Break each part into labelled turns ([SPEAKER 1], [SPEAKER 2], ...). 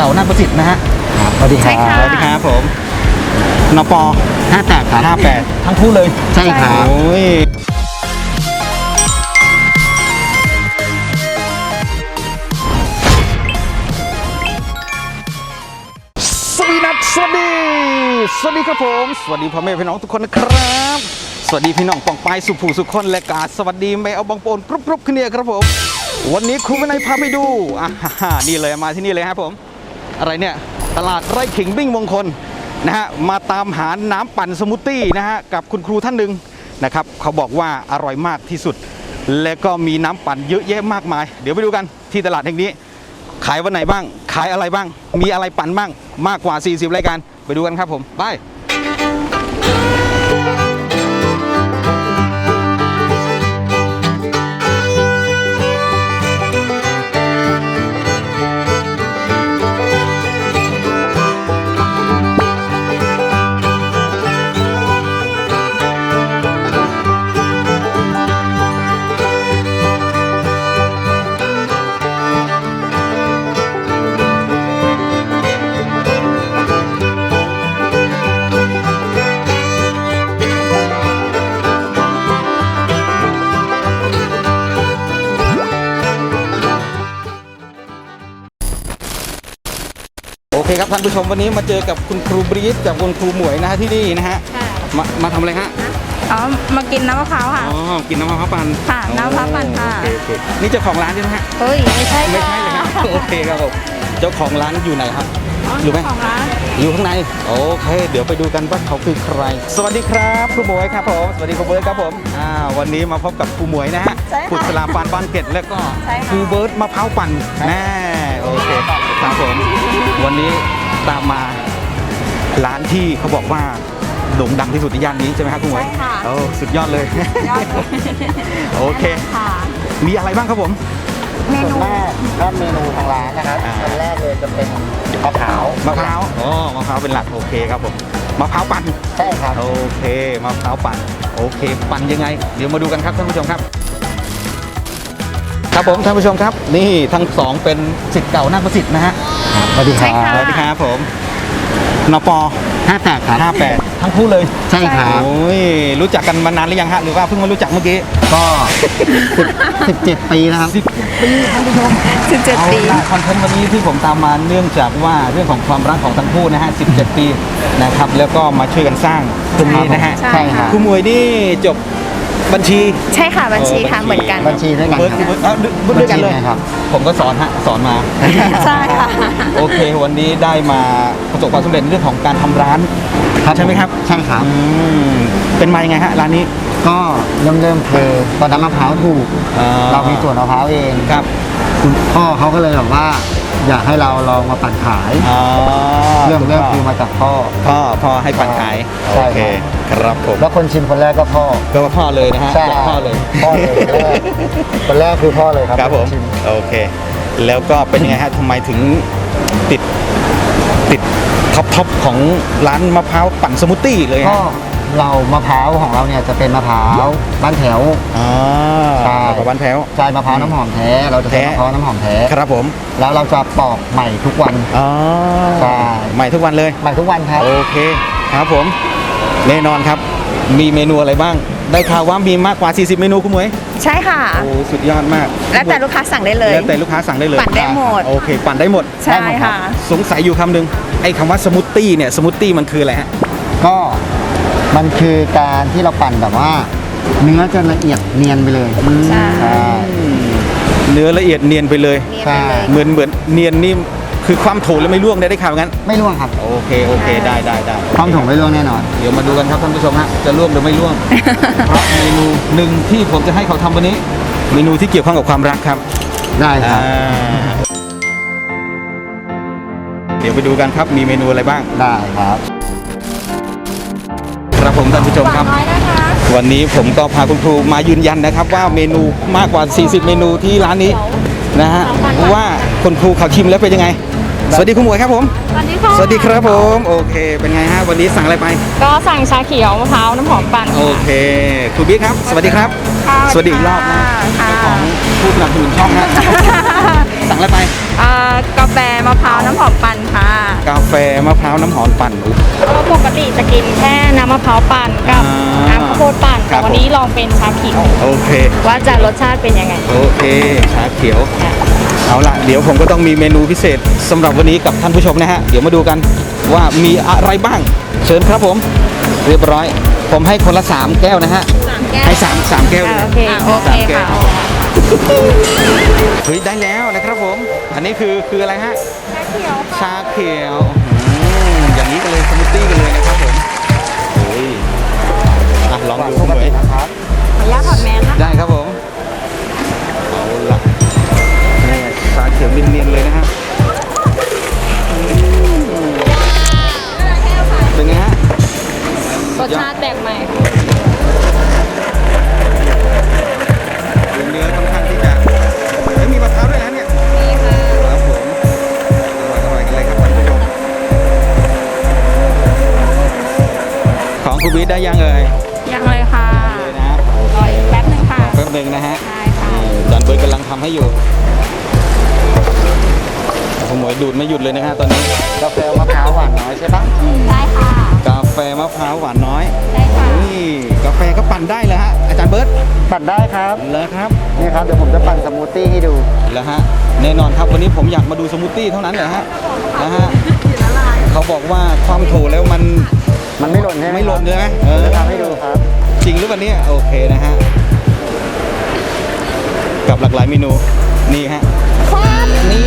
[SPEAKER 1] ก่านาฏประสิทธิ์นะฮะ
[SPEAKER 2] สวัสดีครับ
[SPEAKER 1] สวัสดีครับผมนป
[SPEAKER 2] 58ครับ
[SPEAKER 1] 58ทั้งคู่เลย
[SPEAKER 2] ใช่ครับ
[SPEAKER 1] โอ้ยสวัสดีครับผมสวัสดีพ่อแม่พี่น้องทุกคนนะครับสวัสดีพี่น้องปองปายสุภูสุขคนและกาสวัสดีแม่เอาบางโปนกรุบขึ้นเนี่ยครับผมวันนี้ครูวินัยพาไปดูนี่เลยมาที่นี่เลยครับผมอะไรเนี่ยตลาดไร่ขิงบิ้งมงคลนะฮะมาตามหาน้ำปั่นสมูทตี้นะฮะกับคุณครูท่านหนึ่งนะครับเขาบอกว่าอร่อยมากที่สุดและก็มีน้ำปั่นเยอะแยะมากมายเดี๋ยวไปดูกันที่ตลาดแห่งนี้ขายวันไหนบ้างขายอะไรบ้างมีอะไรปั่นบ้างมากกว่า40รายการไปดูกันครับผมไปโอเคครับท่านผู้ชมวันนี้มาเจอกับคุณครูบรีดกับคุณครูหมวยนะฮะที่นี่นะฮะมาทำอะไรฮะ
[SPEAKER 3] อ๋อมากินน้ำมะพร้าวค่ะ
[SPEAKER 1] อ๋อกินน้ำมะพร้าวปั่น
[SPEAKER 3] ค่ะน้ำมะพร้าวปั่นค่ะ
[SPEAKER 1] โอเคนี่เจ้าของร้านใช่ไหมฮะ
[SPEAKER 3] เฮ้ยไม่ใช่
[SPEAKER 1] ไม่ใช่เลยครับโอเคครับผมเจ้าของร้านอยู่ไหนครับอยู่ไหม
[SPEAKER 3] ของร้าน
[SPEAKER 1] อยู่ข้างในโอเคเดี๋ยวไปดูกันว่าเขาคือใครสวัสดีครับครูหมวยครับผมสวัสดีครูเบิร์ตครับผมวันนี้มาพบกับครูหมวยนะฮะขุดสลาปานบ้านเกตแล้วก็ครูเบิร์ตมะพร้าวปั่นแน่โอเคครับผมวันนี้ตามมาร้านที่เขาบอกว่าโด่งดังที่สุดในย่านนี้ใช่ไหมครับคุณหมวย
[SPEAKER 3] ใช่ค่ะ
[SPEAKER 1] โอ้สุดยอดเลยโอเคมีอะไรบ้างครับผม
[SPEAKER 2] เมนูแรกก็เมนูทางร้านนะครับอันแรกเลยจะเป็นมะพร้าว
[SPEAKER 1] มะพร้าวเป็นหลักโอเคครับผมมะพร้าวปั่น
[SPEAKER 2] ใช่ครับ
[SPEAKER 1] โอเคมะพร้าวปั่นโอเคปั่นยังไงเดี๋ยวมาดูกันครับท่านผู้ชมครับครับผมท่านผู้ชมครับนี่ทั้งสองเป็นศิษย์เก่านาฏประสิทธิ์นะฮะ
[SPEAKER 2] สวัสดีครับ
[SPEAKER 1] สวัสดีครับผมนป
[SPEAKER 2] 58ครับ
[SPEAKER 1] 58ทั้งคู่เลย
[SPEAKER 2] ใช่ครับ
[SPEAKER 1] โอ้ยรู้จักกันมานานหรือยังฮะหรือว่าเพิ่งมารู้จักเมื่อกี้
[SPEAKER 2] ก็17ปีนะครับ
[SPEAKER 1] 17ปีท่านผู้ชม
[SPEAKER 3] 17ปี
[SPEAKER 1] คอนเทนต์วันนี้ที่ผมตามมาเนื่องจากว่าเรื่องของความรักของทั้งคู่นะฮะ17ปีนะครับแล้วก็มาช่วยกันสร้างตรงนี้นะฮะ
[SPEAKER 3] ใช่ค่ะ
[SPEAKER 1] ครูมวยนี่จบบัญชี
[SPEAKER 3] ใช่ค่ะบัญชีค่ะเหมือนกัน
[SPEAKER 2] บัญชีด้วยกัน
[SPEAKER 1] ด้วยกันเลยครับผมก็สอนมา
[SPEAKER 3] ใช่ค่ะ
[SPEAKER 1] โอเควันนี้ได้มาประสบความสำเร็จเรื่องของการทำร้านใช่ไหมครับ
[SPEAKER 2] ใช่ครับ
[SPEAKER 1] เป็นมายังไงฮะร้านนี้
[SPEAKER 2] ก็เริ่มคือตอนนั้นมะพร้าวถูกเรามีสวนมะพร้าวเอง
[SPEAKER 1] ครับ
[SPEAKER 2] คุณพ่อเขาก็เลยแบบว่าอยากให้เราลองมาปั่นขายเริ่มคือมาจากพ่อ
[SPEAKER 1] ให้ปั่นขายโอเคครับผม
[SPEAKER 2] แล้วคนชิมคนแรกก็พ่อ
[SPEAKER 1] เลยนะฮะพ่อเลย
[SPEAKER 2] คนแรกคือพ่อเลย
[SPEAKER 1] ครับผมโอเคแล้วก็เป็นยังไงฮะทำไมถึงติดท็อปของร้านมะพร้าวปั่นสมูทตี้เลย
[SPEAKER 2] ก็เรามะพร้าวของเราเนี่ยจะเป็นมะพร้าวบ้านแถว
[SPEAKER 1] ใช่บ้านแถว
[SPEAKER 2] ใช่มะพร้าวน้ำหอมแท้เราจะใช้มะพร้าวน้ำหอมแท้
[SPEAKER 1] ครับผม
[SPEAKER 2] แล้วเราจะปอกใหม่ทุกวัน
[SPEAKER 1] ใช่ใหม่ทุกวันเลย
[SPEAKER 2] ใหม่ทุกวันครับ
[SPEAKER 1] โอเคครับผมแน่นอนครับมีเมนูอะไรบ้างได้ข่าวว่ามีมากกว่า40เมนูคุณหมวย
[SPEAKER 3] ใช่ค่ะ
[SPEAKER 1] โอ้สุดยอดมาก
[SPEAKER 3] แล้วแต่ลูกค้าสั่งได้เลย
[SPEAKER 1] แล้วแต่ลูกค้าสั่งได้เลย
[SPEAKER 3] ปั่นได้หมด
[SPEAKER 1] โอเคปั่นได้หมด
[SPEAKER 3] ใช่ค่ะ
[SPEAKER 1] สงสัยอยู่คำหนึ่งไอ้คำว่าสมูทตี้เนี่ยสมูทตี้มันคืออะไรฮะ
[SPEAKER 2] ก็มันคือการที่เราปั่นแบบว่าเนื้อจะละเอียดเนียนไปเลย
[SPEAKER 3] ใช่
[SPEAKER 1] เนื้อละเอียดเนียนไปเลยเหมือนเนียนนี่คือความโถแล้วไม่ร่วงได้ข่าวงั้น
[SPEAKER 2] ไม่ร่วงครับ
[SPEAKER 1] โอเคได้
[SPEAKER 2] ความโถไม่ร่วงแน่นอน
[SPEAKER 1] เดี๋ยวมาดูกันครับท่านผู้ชมฮะจะร่วงหรือไม่ร่วงเพราะเมนูหนึ่งที่ผมจะให้เขาทำวันนี้เมนูที่เกี่ยวข้องกับความรักครับ
[SPEAKER 2] ได้ครับ
[SPEAKER 1] เดี๋ยวไปดูกันครับมีเมนูอะไรบ้าง
[SPEAKER 2] ได้ครับ
[SPEAKER 1] ครับผมท่านผู้ชมครับวันนี้ผมก็พาคุณครูมายืนยันนะครับว่าเมนูมากกว่า40เมนูที่ร้านนี้นะฮะว่าคุณครูเขาชิมแล้วเป็นยังไงสวัสดีคุณหมวยครับผม
[SPEAKER 4] สวัสดีค่ะ
[SPEAKER 1] สวัสดีครับผมโอเค เป็นไงฮะวันนี้สั่งอะไรไป
[SPEAKER 4] ก็สั่งชาเขียวมะพร้าวน้ำหอมปั่น
[SPEAKER 1] โอเคครูบิ๊กครับ สวัสดีครับ
[SPEAKER 3] ค่ะ
[SPEAKER 1] สวัสดีอีกรอบนะ
[SPEAKER 3] ค่ะ
[SPEAKER 1] เจ้าของผู้สนับสนุนช่องนะ สั่งอะไรไป
[SPEAKER 3] กาแฟมะพร้าวน้ำหอมปั่นค่ะ
[SPEAKER 1] กาแฟมะพร้าวน้ำหอมปั่นอุ๊ย
[SPEAKER 4] ก็ปกติจะกินแค่น้ำมะพร้าวปั่นกับ
[SPEAKER 1] อ่า
[SPEAKER 4] น้ำข้าวโพดปั่น
[SPEAKER 1] ครั
[SPEAKER 4] แต่
[SPEAKER 1] บ
[SPEAKER 4] วันนี้ลองเป็นชาเขียว
[SPEAKER 1] โอเค
[SPEAKER 4] ว่าจะรสชาติเป็นยังไง
[SPEAKER 1] โอเค ชาเขียว เอาล่ะ เดี๋ยวผมก็ต้องมีเมนูพิเศษสำหรับวันนี้กับท่านผู้ชมนะฮะ เดี๋ยวมาดูกันว่ามีอะไรบ้าง เชิญครับผม เรียบร้อย ผมให้คนละ 3 แก้วนะฮะ
[SPEAKER 3] 3 แก้ว
[SPEAKER 1] ให้3แก้วเลย
[SPEAKER 3] โอเคโอเค
[SPEAKER 1] สามแก้ว
[SPEAKER 3] ค่ะ
[SPEAKER 1] เฮ้ยได้แล้วนะครับผม อันนี้คืออะไรฮะ ชาเขียวอย่างนี้กันเลยสมูทตี้กันเลยนะครับผมโอ้ยอ่ะลองดู
[SPEAKER 2] ป
[SPEAKER 1] คุณ
[SPEAKER 2] ก
[SPEAKER 1] เหม
[SPEAKER 2] ติ
[SPEAKER 1] ย
[SPEAKER 2] นะครับ
[SPEAKER 4] ขออนุญาตถอดแมสนะ
[SPEAKER 1] ได้ครับผม เอาละนี่ชาเขียวเนียนๆเลยนะฮะเป็นไงฮะ
[SPEAKER 4] รสชาติแปลกใหม่
[SPEAKER 1] เนื้อค่อนข้างที่จะไม่มีมะพร้าวด้วยนะเนี่ย
[SPEAKER 4] นี่ค่ะ
[SPEAKER 1] ครับผมอร่อยๆกันเลยครับท่านผู้ชมของคุณวิทย์ได้ยังเอ่ย
[SPEAKER 3] ยังเลยค่ะ
[SPEAKER 1] เลยนะ
[SPEAKER 4] รออีกแป๊บหนึงค่ะ
[SPEAKER 1] แป๊บหนึ่งนะฮะ
[SPEAKER 3] ได้ค่ะ
[SPEAKER 1] นี่จานเบิร์ดกำลังทำให้อยู่ผมหมวยดูดไม่หยุดเลยนะฮะตอนนี้
[SPEAKER 2] กาแฟมะพร้าวหวานน้อยใช่ปะ
[SPEAKER 4] ได้ค่ะ
[SPEAKER 1] กาแฟมะพร้าวหวานน้อย
[SPEAKER 4] ได้ค่ะ
[SPEAKER 1] นี่กาแฟก็ปั่นได้เลยฮะอาจารย์เบิร์ต
[SPEAKER 2] ปั่นได้ครับ
[SPEAKER 1] เลยครับ
[SPEAKER 2] นี่ครับเดี๋ยวผมจะปั่นสมูทตี้ให้ดู
[SPEAKER 1] แล้วฮะแน่นอนครับวันนี้ผมอยากมาดูสมูทตี้เท่านั้นแหละฮะนะฮะเขาบอกว่าความโถแล้วมัน
[SPEAKER 2] มันไม่หล่นใช่ไหม
[SPEAKER 1] ไม่หล่น
[SPEAKER 2] ครับ
[SPEAKER 1] เลยไหม
[SPEAKER 2] เดี๋ยวจะทำให้ดูครับ
[SPEAKER 1] จริงหรือเปล่าเนี่ยโอเคนะฮะกับหลากหลายเมนูนี่ฮะนี่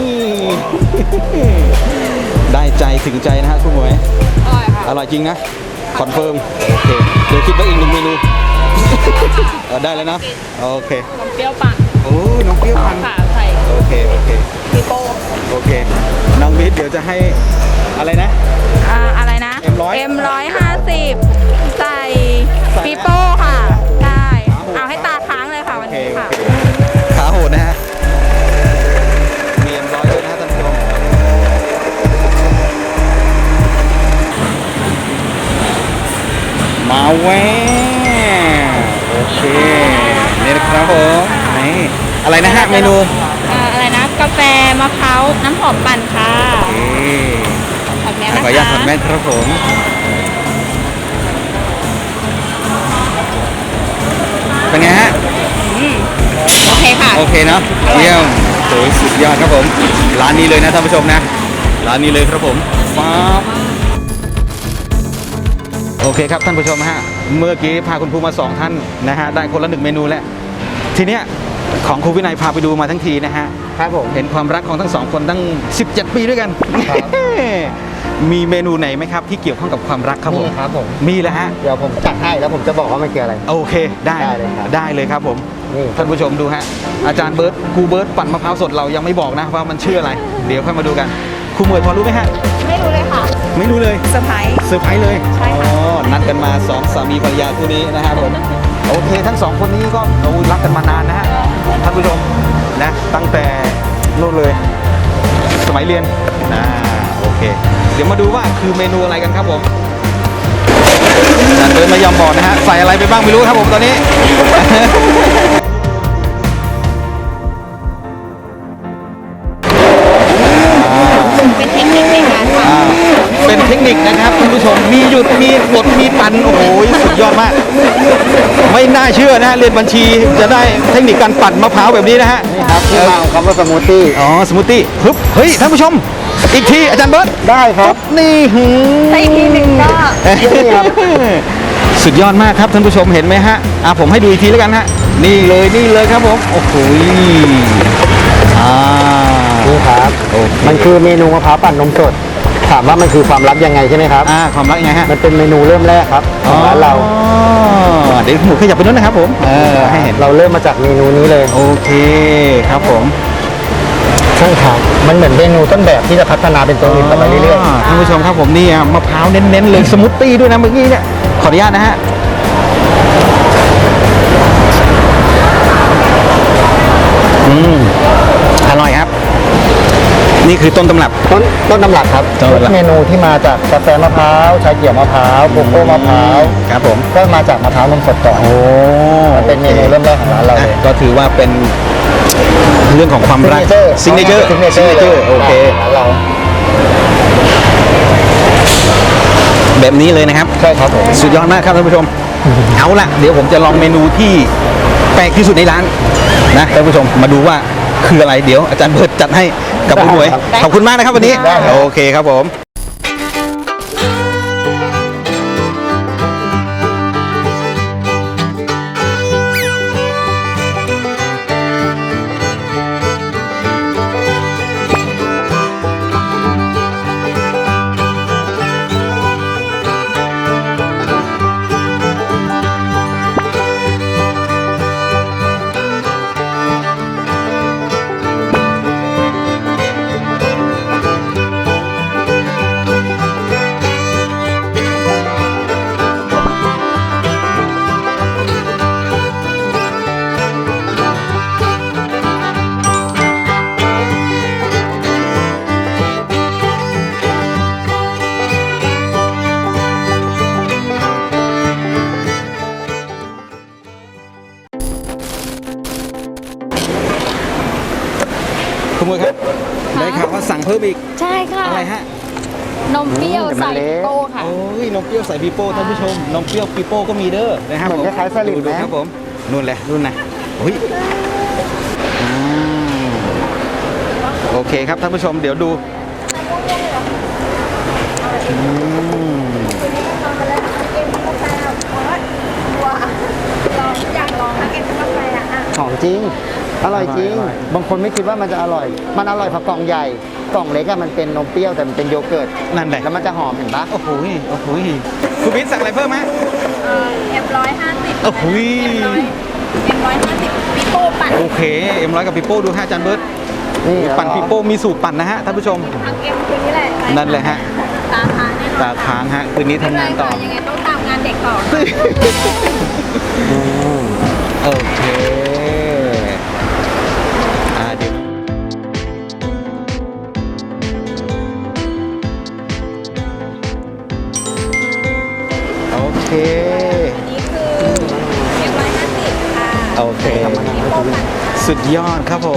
[SPEAKER 1] ได้ใจถึงใจนะฮะคุณหมวย
[SPEAKER 4] อร่อยค่ะ
[SPEAKER 1] อร่อยจริงนะคอนเฟิร์มโอเคเดี๋ยวคิดไว้อีกหนึ่งเมนู ได้แล้วนะโอเค
[SPEAKER 4] นมเปรี้ยวปั่น
[SPEAKER 1] โอ้น้องเปรี้ยวพัน
[SPEAKER 4] ค่ะใส่
[SPEAKER 1] โอเคโอเค
[SPEAKER 4] ปีโป้
[SPEAKER 1] โอเคน้องวิทย์เดี๋ยวจะให้อะไรนะ
[SPEAKER 3] อะไรนะ
[SPEAKER 1] M100
[SPEAKER 3] M150 ใส่ปีโป้ค่ะ ได้ เอาให้ตาค้างเลยค่ะ
[SPEAKER 1] โอ
[SPEAKER 3] วัน
[SPEAKER 1] เค
[SPEAKER 3] นี้
[SPEAKER 1] โอ
[SPEAKER 3] ค่ะ
[SPEAKER 1] เคขาโหดนะฮะมีM100ด้วยนะฮะท่านผู้ชมมาแวโอเคนี่นะครับผมนี่อะไรนะฮะเมนู
[SPEAKER 4] อะไรนะ กาแฟมะพร้าวน้ำหอมปั่นค่ะ
[SPEAKER 1] โอเค
[SPEAKER 4] ถอดแมส
[SPEAKER 1] ขอ
[SPEAKER 4] นะ
[SPEAKER 1] อนุญาต
[SPEAKER 4] คะ
[SPEAKER 1] ถอดแมสครับผม เป็นไงฮะ
[SPEAKER 4] โอเคค่ะ
[SPEAKER 1] โอเคเนาะเยี่ยมโอ้ยสุดยอดครับผม ร้านนี้เลยนะท่านผู้ชมนะ ร้านนี้เลยครับผมฟ้าบโอเคครับท่านผู้ชมฮะ เมื่อกี้พาคุณภูมา2ท่านนะฮะ ได้คนละ1เมนูแล้ว ทีเนี้ยของครูวินัยพาไปดูมาทั้งทีนะฮะ
[SPEAKER 2] ครับผม
[SPEAKER 1] เห็นความรักของทั้งสองคนตั้ง 17 ปีด้วยกัน
[SPEAKER 2] ครับ
[SPEAKER 1] มีเมนูไหนไหมครับที่เกี่ยวข้องกับความรักครับผม
[SPEAKER 2] นี่ครับผม
[SPEAKER 1] มีแล้วฮะ
[SPEAKER 2] เดี๋ยวผมจัดให้แล้วผมจะบอกว่ามันคืออะไร
[SPEAKER 1] โอเค ได้
[SPEAKER 2] ได้เลยครับ
[SPEAKER 1] ได้เลยครับผม
[SPEAKER 2] นี่
[SPEAKER 1] ท่านผู้ชมดูฮะ อาจารย์เบิร์ตครูเบิร์ตปั่นมะพร้าวสดเรายังไม่บอกนะว่ามันชื่ออะไร เดี๋ยวค่อยมาดูกันครูเหมยพอรู้ไหมฮะ
[SPEAKER 3] ไม่รู้เลยค่ะ
[SPEAKER 1] ไม่รู้เลย
[SPEAKER 3] เซอร์ไพรส์
[SPEAKER 1] เซอร์ไพรส์เลย
[SPEAKER 3] ใช่ค่ะ
[SPEAKER 1] อ๋อนัดกันมาสองสามีภรรยาคู่นี้นะครับผมโอเคทั้งสองคนนี้ก็เรารักกันมานานนะฮะท่านผู้ชมนะตั้งแต่นู่นเลย สมัยเรียนโอเค เดี๋ยวมาดูว่าคือเมนูอะไรกันครับผมอาจารย์เบิร์ตไม่ยอมบอกนะฮะใส่อะไรไปบ้างไม่รู้ครับผมตอนนี้
[SPEAKER 3] เป็นเทคนิคในการท
[SPEAKER 1] เป็นเทคนิคนะครับท่านผู้ชมมีหยุดมีกดมีปั่นโอ้โหสุดยอดมาก ไม่น่าเชื่อนะเรียนบัญชีจะได้เทคนิคการปั่นมะพร้าวแบบนี้นะฮะ
[SPEAKER 2] นี่ครับที่มาของคำว่าสมูทตี้
[SPEAKER 1] อ๋อสมูทตี้ฮึบเฮ้ยท่านผู้ชม อีกทีอาจารย์เบิร์ต
[SPEAKER 2] ได้ครับ
[SPEAKER 1] นี่หื
[SPEAKER 3] ำแต่อีกทีหนึ่งก็
[SPEAKER 2] นี่ครับ
[SPEAKER 1] สุดยอดมากครับท่านผู้ชมเห็นไหมฮะผมให้ดูอีกทีแล้วกันฮะนี่เลยครับผมโอ้โหอ่า
[SPEAKER 2] นี่ครับ
[SPEAKER 1] โอเค
[SPEAKER 2] มันคือเมนูมะพร้าวปั่นนมสด ถามว่ามันคือความลับยังไงใช่ไหมครับ
[SPEAKER 1] ความรักยังไงฮะ
[SPEAKER 2] มันเป็นเมนูเริ่มแรกครับของร้านเรา
[SPEAKER 1] เดี๋ยวหมูขยับไปนู้นนะครับผมให้เห็น
[SPEAKER 2] เราเริ่มมาจากเมนูนี้เลย
[SPEAKER 1] โอเคครับผม
[SPEAKER 2] ใช่ครับมันเหมือนเมนูต้นแบบที่จะพัฒนาเป็นตัวอื่นต่อไปเรื่อย
[SPEAKER 1] ท่านผู้ชมครับผมนี่มะพร้าวเน้นๆเลยสมูทตี้ด้วยนะเมื่อกี้เนี่ยขออนุญาตนะฮะอร่อยครับนี่คือต้นตำรับ
[SPEAKER 2] ต้นตำรับครับ
[SPEAKER 1] ต้นตำรับ
[SPEAKER 2] เมนูที่มาจากกาแฟมะพร้าวชาเขียวมะพร้าวโกโก้มะพร้าว
[SPEAKER 1] ครับผม
[SPEAKER 2] ก็มาจากมะพร้าวนมสดก่อน
[SPEAKER 1] โอ้
[SPEAKER 2] มันเป็นเมนูเริ่มแรกของร้านเราเลย
[SPEAKER 1] ก็ถือว่าเป็นเรื่องของความรักซิงเกิลเจอร์โอเค
[SPEAKER 2] ร้านเรา
[SPEAKER 1] แบบนี้เลยนะครับ
[SPEAKER 2] ใช่ครับผม
[SPEAKER 1] สุดยอดมากครับท่านผู้ชม เอาล่ะ เดี๋ยวผมจะลองเมนูที่แปลกที่สุดในร้านนะท่านผู้ชมมาดูว่าคืออะไรเดี๋ยวอาจารย์เบิร์ดจัดให้กับคุณหมวยขอบคุณมากนะครับวันนี้
[SPEAKER 2] ได้ครับ
[SPEAKER 1] โอเคครับผม คุณหมวยครับได้ข่าวว่าสั่งเพิ่มอีก
[SPEAKER 4] ใช่ค่ะ
[SPEAKER 1] อะไรฮะ
[SPEAKER 4] นมเปรี้ยวใส่โก้ค่ะ
[SPEAKER 1] โอ้ยนมเปรี้ยวใส่ปีโป้ท่านผู้ชมนมเปรี้ยวปีโป้ก็มีเด้อนะครับ
[SPEAKER 2] เหมือนคล้ายๆสลิด
[SPEAKER 1] ดู
[SPEAKER 2] ไหม
[SPEAKER 1] ครับผมนู่นแหละนู่นนะโอ้ยอืมโอเคครับท่านผู้ชมเดี๋ยวดูอืม
[SPEAKER 2] หอมจริง อร่อยจริง บางคนไม่คิดว่ามันจะอร่อย มันอร่อยเพราะกล่องใหญ่ กล่องเล็กอะมันเป็นนมเปรี้ยวแต่มันเป็นโยเกิร์ต
[SPEAKER 1] นั่นแหละ
[SPEAKER 2] แล้วมันจะหอมเห็นปะ
[SPEAKER 1] โอ้โหโอ้โหคุณบิ๊กสั่งอะไรเพิ่มไหม
[SPEAKER 3] M150
[SPEAKER 1] โอ้โห
[SPEAKER 3] M150 ปีโป้ปั่น
[SPEAKER 1] โอเคเอ็มร้อยกับปีโป้ดูฮะอาจารย์เบิร์ต
[SPEAKER 2] นี่
[SPEAKER 1] ปั่นปีโป้มีสูตรปั่นนะฮะท่านผู้ชม
[SPEAKER 3] ทางเอ็มคืนนี้แหละ
[SPEAKER 1] นั่นแหละฮะ
[SPEAKER 3] ตาทานแน่นอน
[SPEAKER 1] ตาค้างฮะคืนนี้ทำงานต่อ
[SPEAKER 3] ยังไงต้องตามงานเด็กต่อ
[SPEAKER 1] โอเคเดี๋ยวโอเค
[SPEAKER 3] อันนี้คือ M150 ค่ะ
[SPEAKER 1] โอเค
[SPEAKER 3] ปีโป้ปั่น
[SPEAKER 1] สุดยอดครับผม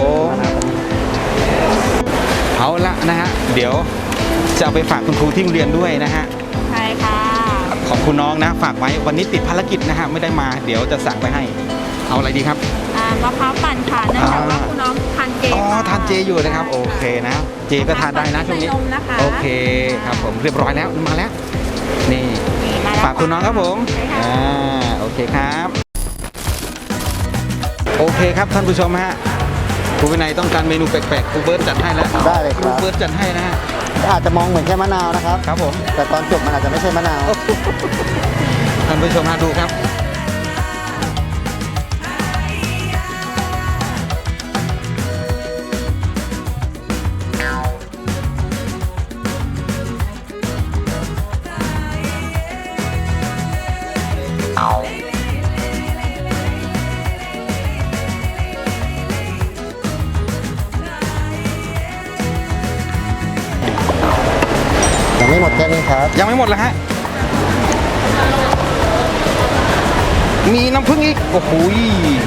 [SPEAKER 1] เอาละนะฮะ เดี๋ยวจะเอาไปฝากคุณครูที่โรงเรียนด้วยนะฮะ
[SPEAKER 3] ใช่ค่ะ
[SPEAKER 1] ของคุณน้องนะ ฝากไว้วันนี้ติดภารกิจนะฮะ ไม่ได้มา เดี๋ยวจะสั่งไปให้ เอาอะไรดีครับ
[SPEAKER 3] มะพร้าวปั่นค่ะเนื่องจากว่าคุณน้องทานเจ
[SPEAKER 1] อ๋อ
[SPEAKER 3] ค่ะ
[SPEAKER 1] ทานเจอยู่นะครับ โอเคนะ เจก็ทานได้นะช่วงนี้
[SPEAKER 3] ใส่นมนะคะ
[SPEAKER 1] โอเคครับผมเรียบร้อยแล้วมาแล้ว นี่
[SPEAKER 3] นี่มาแล้ว
[SPEAKER 1] ฝากคุณน้องครับผม
[SPEAKER 3] ใช่ค่ะ
[SPEAKER 1] โอเคครับ โอเคครับท่านผู้ชมฮะครูวินัยต้องการเมนูแปลกๆครูเบิร์ตจัดให้แล้ว
[SPEAKER 2] ได้เลยค
[SPEAKER 1] ครู
[SPEAKER 2] รับ
[SPEAKER 1] เบิร์ตจัดให้นะฮะ
[SPEAKER 2] อาจจะมองเหมือนแค่มะนาวนะครับ
[SPEAKER 1] ครับผม
[SPEAKER 2] แต่ตอนจบมันอาจจะไม่ใช่มะนาว
[SPEAKER 1] ท่านผู้ชมฮะดูครับ
[SPEAKER 2] ยังไม่หมดแค่นี้ครับ
[SPEAKER 1] ยังไม่หมดแล้วฮะ มีน้ำผึ้งอีก โอ้โหย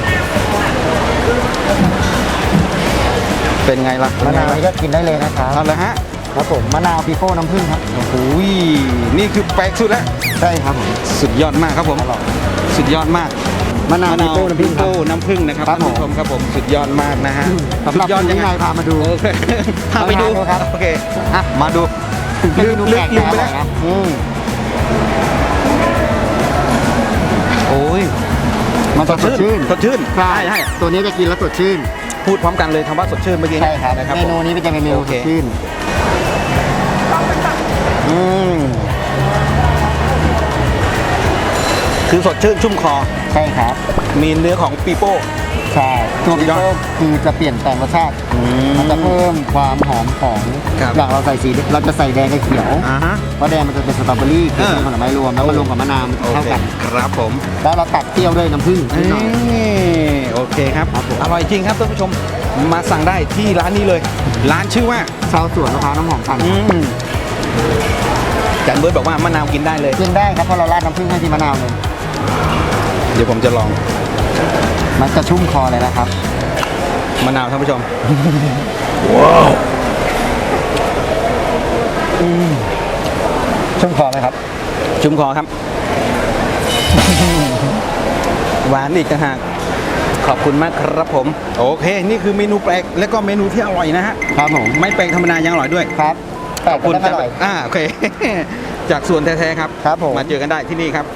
[SPEAKER 1] เป็นไงล่ะ
[SPEAKER 2] มะนาวนี่ก็กินได้เลยนะครับ
[SPEAKER 1] เอาละฮะ
[SPEAKER 2] ครับผมมะนาวปีโป้น้ำผึ้งครับ
[SPEAKER 1] โอ้โหยนี่คือแปลกสุดแล้ว
[SPEAKER 2] ใช่ครับผม
[SPEAKER 1] สุดยอดมากครับผม สุดยอดมาก
[SPEAKER 2] มะนาวปีโป้น้ำผึ้งครับ
[SPEAKER 1] น้ำผึ้งนะครับ
[SPEAKER 2] ครั
[SPEAKER 1] ท่า
[SPEAKER 2] บ
[SPEAKER 1] นผู้ชมครับผมสุดยอดมากนะฮะ
[SPEAKER 2] สำหรับ
[SPEAKER 1] สุดยอด
[SPEAKER 2] คุณ
[SPEAKER 1] ยัง
[SPEAKER 2] วิ
[SPEAKER 1] ไง
[SPEAKER 2] นัยพามาดู
[SPEAKER 1] โอเคพาไปดู
[SPEAKER 2] ลองทานดูครับ
[SPEAKER 1] โอเคอ่ะมาดู
[SPEAKER 2] เมนูแปลก
[SPEAKER 1] ลืมไปแล้ว
[SPEAKER 2] นะ
[SPEAKER 1] โอ้ย
[SPEAKER 2] มันจะสดชื่น
[SPEAKER 1] สดชื่น
[SPEAKER 2] ใช่
[SPEAKER 1] ใช่
[SPEAKER 2] ตัวนี้จะกินแล้วสดชื่น
[SPEAKER 1] พูดพร้อมกันเลยคำว่าสดชื่นเมื่อกี้
[SPEAKER 2] ใช่ครับ
[SPEAKER 1] นะครับ
[SPEAKER 2] เมนูนี้เป็นจะเป็นเมนู
[SPEAKER 1] โอ
[SPEAKER 2] ส
[SPEAKER 1] เค
[SPEAKER 2] ดชื่น
[SPEAKER 1] อืมคือสดชื่นชุ่มคอ
[SPEAKER 2] ใช่ครับ
[SPEAKER 1] มีเนื้อของปีโป้
[SPEAKER 2] ใช่ตัวปี
[SPEAKER 1] สุดยอ
[SPEAKER 2] โป้
[SPEAKER 1] ด
[SPEAKER 2] คือจะเปลี่ยนแปลงรสชาติ
[SPEAKER 1] อืม
[SPEAKER 2] มันจะเพิ่มความหอมของ
[SPEAKER 1] ครับ
[SPEAKER 2] อย่างเราใส่สีเราจะใส่แดงกับเขียว
[SPEAKER 1] อ่าฮะ
[SPEAKER 2] เพราะแดงมันจะเป็นสตรอเบอรี่คือเป็นผลไม้รวมแล้วมันรวมกับมะนาวมัน
[SPEAKER 1] โอ
[SPEAKER 2] เข้า
[SPEAKER 1] เค
[SPEAKER 2] กัน
[SPEAKER 1] ครับผม
[SPEAKER 2] แล้วเราตัดเปรี้ยวด้วยน้ำผึ้งนิดหน่อย
[SPEAKER 1] โอเคครับ
[SPEAKER 2] ครับผม
[SPEAKER 1] อร่อยจริงครับท่านผู้ชมมาสั่งได้ที่ร้านนี้เลย ร้านชื่อว่า
[SPEAKER 2] ชาวสวนมะพร้าวน้ำหอมปั่น
[SPEAKER 1] จันเบิร์ดบอกว่ามะนาวกินได้เลย
[SPEAKER 2] กินได้ครับเพราะเราราดน้ำผึ้งให้ที่มะนาวเลย
[SPEAKER 1] เดี๋ยวผมจะลอง
[SPEAKER 2] มันจะชุ่มคอเลยนะครับ
[SPEAKER 1] มะนาวท่านผู้ชม
[SPEAKER 2] ชุ่มคอไหมครับ
[SPEAKER 1] ชุ่มคอครับ หวานอีกต่างหากขอบคุณมากครับผม โอเค นี่คือเมนูแปลกและก็เมนูที่อร่อยนะฮะ
[SPEAKER 2] ครับผม
[SPEAKER 1] ไม่แปลกธรรมดายังอร่อยด้วย
[SPEAKER 2] ครับแปลก
[SPEAKER 1] คุณ
[SPEAKER 2] แต่อร่อย
[SPEAKER 1] โอเค จากสวนแท้ๆครับ
[SPEAKER 2] ครับผม
[SPEAKER 1] มาเจอกันได้ที่นี่ครับ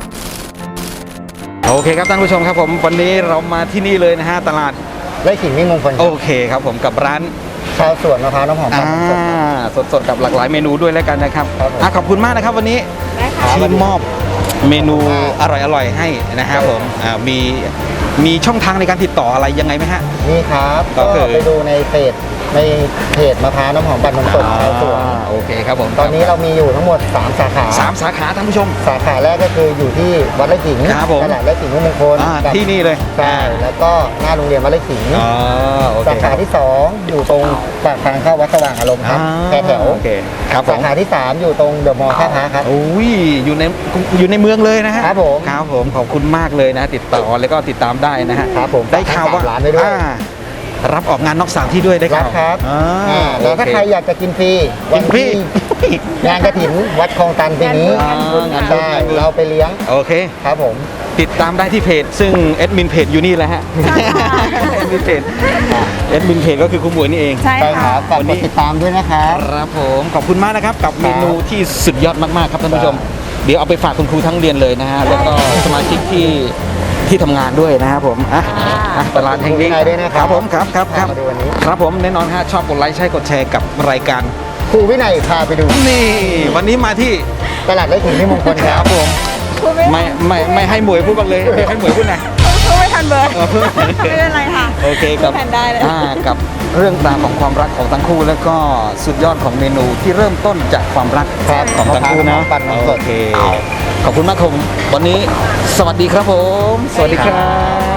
[SPEAKER 1] โอเคครับท่านผู้ชมครับผม วันนี้เรามาที่นี่เลยนะฮะตลาด
[SPEAKER 2] ไร่ขิงมิ่งมงคล
[SPEAKER 1] โอเคครับผมกับร้าน
[SPEAKER 2] ชาวสวนมะพร้าวน้ำหอมปั่นสดครับ
[SPEAKER 1] สดๆกับหลากหลายเมนูด้วยแล้วกันนะครับ
[SPEAKER 2] ครับผม
[SPEAKER 1] ขอบคุณมากนะครับวันนี้
[SPEAKER 3] ได้ค่ะ
[SPEAKER 1] ที่มอบเมนูอร่อยๆให้นะครับผมมีช่องทางในการติดต่ออะไรยังไงไหมฮะ
[SPEAKER 2] นี่ครับ
[SPEAKER 1] ก็
[SPEAKER 2] ก็
[SPEAKER 1] คือ
[SPEAKER 2] ไปดูในเพจมะพร้าวน้ำหอมปั่นนมสดชาวสวน
[SPEAKER 1] โอเคครับผม
[SPEAKER 2] ตอนนี้เรามีอยู่ทั้งหมด 3 สาขา
[SPEAKER 1] 3 สาขาท่านผู้ชม
[SPEAKER 2] สาขาแรกก็คืออยู่ที่วัดไร่ขิง
[SPEAKER 1] ครับผม
[SPEAKER 2] ตลาดไร่ขิงมิ่งมงคล กับ
[SPEAKER 1] ที่นี่เลย
[SPEAKER 2] ใช่แล้วก็หน้าโรงเรียนวัดไร่ขิง
[SPEAKER 1] อ๋อโอเค
[SPEAKER 2] สาขาที่ 2 อยู่ตรงปากทางเข้าวัดสว่างอารมณ์ครับแถว
[SPEAKER 1] โอเคครับผ
[SPEAKER 2] สาม ขาที่ 3 อยู่ตรงเดอะมอลล์ท่าพระครับ
[SPEAKER 1] โอ้ยอยู่ในเมืองเลยนะฮะ
[SPEAKER 2] ครับผม
[SPEAKER 1] ครับผมขอบคุณมากเลยนะติดต่อแล้วก็ติดตามได้นะฮะ
[SPEAKER 2] ครับผม
[SPEAKER 1] ได้ข่าวว่า
[SPEAKER 2] ฝากร้านไว้ด้วย
[SPEAKER 1] รับออกงานนอกสถานที่ด้วยได้
[SPEAKER 2] รั
[SPEAKER 1] ข่า
[SPEAKER 2] บ
[SPEAKER 1] ว
[SPEAKER 2] ครับ แล้วถ้า
[SPEAKER 1] โอเ
[SPEAKER 2] ใครอยากจะกินฟรี
[SPEAKER 1] กินฟรี
[SPEAKER 2] ที่งานกระถินวัดคลองตันปีนี้
[SPEAKER 1] งานบุญ
[SPEAKER 2] ได้เราไปเลี้ยง
[SPEAKER 1] โอเค
[SPEAKER 2] ครับผม
[SPEAKER 1] ติดตามได้ที่เพจ ซึ่งแอดมินเพจอยู่นี่แหละฮะแอดมินเพจก็คือคุณหมวยนี่เอง
[SPEAKER 3] ใช่
[SPEAKER 2] ใช่ค
[SPEAKER 3] ค่ะ
[SPEAKER 2] รับฝาก
[SPEAKER 1] วัน
[SPEAKER 2] ก
[SPEAKER 1] นี้
[SPEAKER 2] ดติดตามด้วยนะครับ
[SPEAKER 1] ครับผมขอบคุณมากนะครับกับเมนูที่สุดยอดมากๆครับท่านผู้ชม
[SPEAKER 2] ครับ
[SPEAKER 1] เดี๋ยวเอาไปฝากคุณครูทั้งเรียนเลยนะฮะแล้วก็สมาชิกที่ทำงานด้วยนะครับผมตลาดแห่งนี้
[SPEAKER 2] ขอบคุณครูวินัยด้วยนะครับ
[SPEAKER 1] ผมครับ
[SPEAKER 2] มาดูวันนี้
[SPEAKER 1] ครับผมแน่นอนฮะชอบกดไลค์ใช่กดแชร์กับรายการ
[SPEAKER 2] ครูวินัยพาไปดู
[SPEAKER 1] นี่วันนี้มาที่
[SPEAKER 2] ตลาดไร่ขิงมิ่งมงคลครับ
[SPEAKER 1] ผม
[SPEAKER 3] พูดไม่
[SPEAKER 1] ไม่ให้หมวยพูดกันเลยให้หมวยพูดหน่อย
[SPEAKER 3] พูดไม่ทันเบอร์
[SPEAKER 1] เพิ่ม
[SPEAKER 3] ไม่เป็นไรค่ะ
[SPEAKER 1] โอเคกับ
[SPEAKER 3] พูดแทนได้เลย
[SPEAKER 1] กับเรื่องราวของความรักของทั้งคู่แล้วก็สุดยอดของเมนูที่เริ่มต้นจากความรัก
[SPEAKER 2] ครับ
[SPEAKER 1] ของทั้งคู่นะ
[SPEAKER 2] มะพร้าวน้ำปั่นนมสด
[SPEAKER 1] โอเคขอบคุณมากครับวันนี้สวัสดีครับผม สวัสดีครับ